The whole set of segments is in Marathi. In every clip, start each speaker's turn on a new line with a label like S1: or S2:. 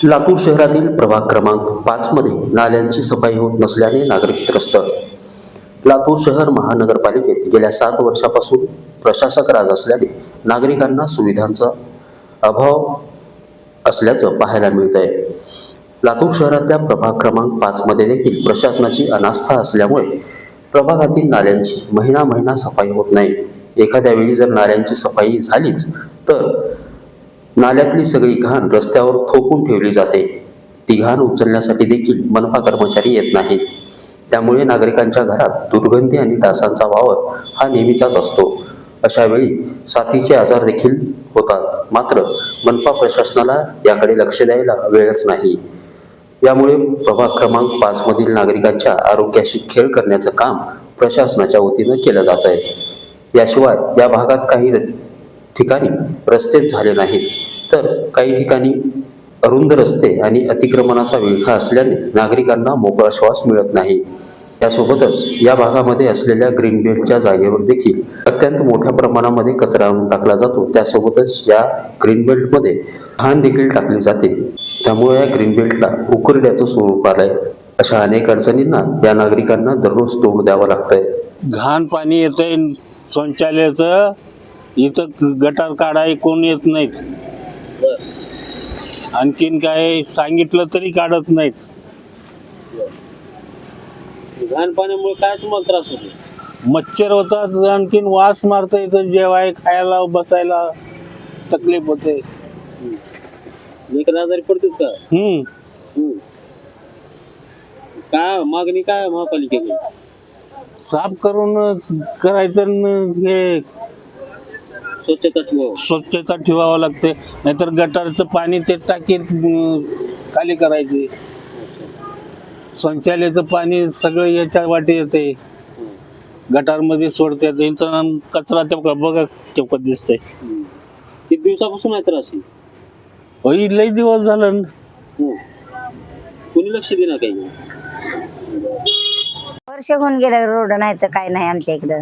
S1: लातूर शहरातील प्रभाग क्रमांक 5 मध्ये नाल्यांची सफाई होत नसल्याने नागरिक त्रस्त. लातूर शहर महानगरपालिकेत गेल्या 7 वर्षापासून प्रशासक राज असल्याने नागरिकांना सुविधांचा अभाव असल्याचं पाहायला मिळतंय. लातूर शहरातल्या प्रभाग क्रमांक 5 मध्ये देखील प्रशासनाची अनास्था असल्यामुळे प्रभागातील नाल्यांची महिना सफाई होत नाही. एखाद्या वेळी जर नाल्यांची सफाई झालीच तर नाल्यातली सगळी घाण रस्त्यावर थोपून ठेवली जाते. ती घाण उचलण्यासाठी देखील मनपा कर्मचारी येत नाहीत. त्यामुळे नागरिकांच्या घरात दुर्गंधी आणि डासांचा वावर हा नेहमीचाच असतो. अशा वेळी साथीचे आजार देखील होतात. मात्र मनपा प्रशासनाला याकडे लक्ष द्यायला वेळच नाही. यामुळे प्रभाग क्रमांक 5 मधील नागरिकांच्या आरोग्याशी खेळ करण्याचं काम प्रशासनाच्या वतीनं केलं जात आहे. याशिवाय या भागात काही ठिकाणी रस्तेच झाले नाहीत, तर काही ठिकाणी अरुंद रस्ते आणि अतिक्रमणाचा विळखा असल्याने नागरिकांना मोकळा श्वास मिळत नाही. यासोबतच या भागामध्ये असलेल्या ग्रीन बेल्टच्या जागेवर देखील अत्यंत मोठ्या प्रमाणामध्ये कचरा आणून टाकला जातो. त्यासोबतच या ग्रीन बेल्टमध्ये घाण देखील टाकली जाते. त्यामुळे या ग्रीन बेल्टला उकरड्याचं स्वरूप आलंय. अशा अनेक अडचणींना या नागरिकांना दररोज तोंड द्यावं लागतंय.
S2: घाण पाणी येतंय शौचालयाचं, इथं गटार काढाय कोण येत नाहीत. आणखीन काय सांगितलं तरी काढत नाहीत.
S3: घाण पाण्यामुळे काय तुम्हाला त्रास होतो?
S2: मच्छर होतात, आणखीन वास मारता येतं, जेवाय खायला बसायला तकलीफ होते.
S3: लेकर आजारी पडतात का? काय मागणी काय महापालिकेची?
S2: साफ करून करायचं हे स्वच्छता ठेवावं लागते. नाहीतर गटारचं पाणी ते टाकीत खाली करायचे. शौचालयाचं पाणी सगळं याच्या वाटे येते, गटारमध्ये सोडतात. इथं कचरा तेवढा बघा तेवढा दिसतंय.
S3: किती दिवसापासून आहे त्रास?
S2: लई दिवस झालं.
S3: कोणी लक्ष देणार काही?
S4: वर्ष होऊन गेलं रोड नाही तर काय नाही आमच्या इकडं.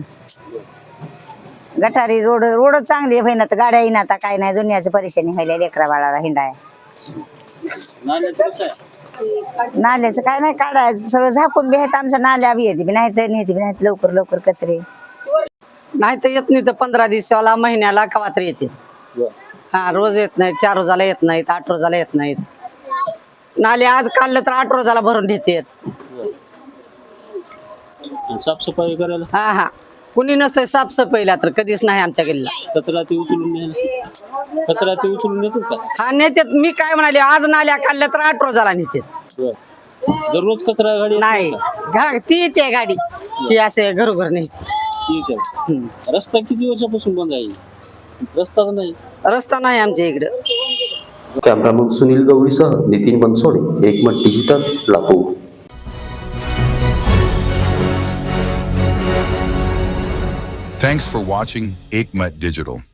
S4: गटारी रोड चांगली होईना तर गाड्या येईना आता काय नाही. दुनियाचं परेशानी व्हायला लेकरा बाळाला हिंडाय. नाल्याचं काय नाही काढायचं, सगळं झाकून बी आहेत आमच्या नाल्या बी येते बी नाही तर नेते बी नाहीत लवकर कचरे
S5: नाही तर येत नाही तर 15 दिवसाला महिन्याला कवा तर येते. हा रोज येत नाहीत, 4 रोजाला येत नाहीत, 8 रोजाला येत नाहीत. नाले आज काढलं तर 8 रोजाला भरून देतात.
S3: साफसफाई करायला
S5: हा कुणी नसतंय साफसफाईला तर कधीच नाही आमच्या गल्लीला.
S3: कचरा ते उचलून नेतात का?
S5: हा नेतात. मी काय म्हणाले आज नाल्या काढल्या तर 8 रोजाला नेतात.
S3: दररोज कचरा गाडी
S5: नाही ती येते गाडी ती असे घरोघर न्यायची.
S3: ठीक आहे. रस्ता किती वर्षापासून बंद आहे? रस्ताच नाही.
S5: रस्ता नाही आमच्या इकडं.
S1: कॅमेरामन सुनील गवळीसह Nitin Bansode, Ekmat digital, Latur.
S6: Thanks for watching Ekmat Digital.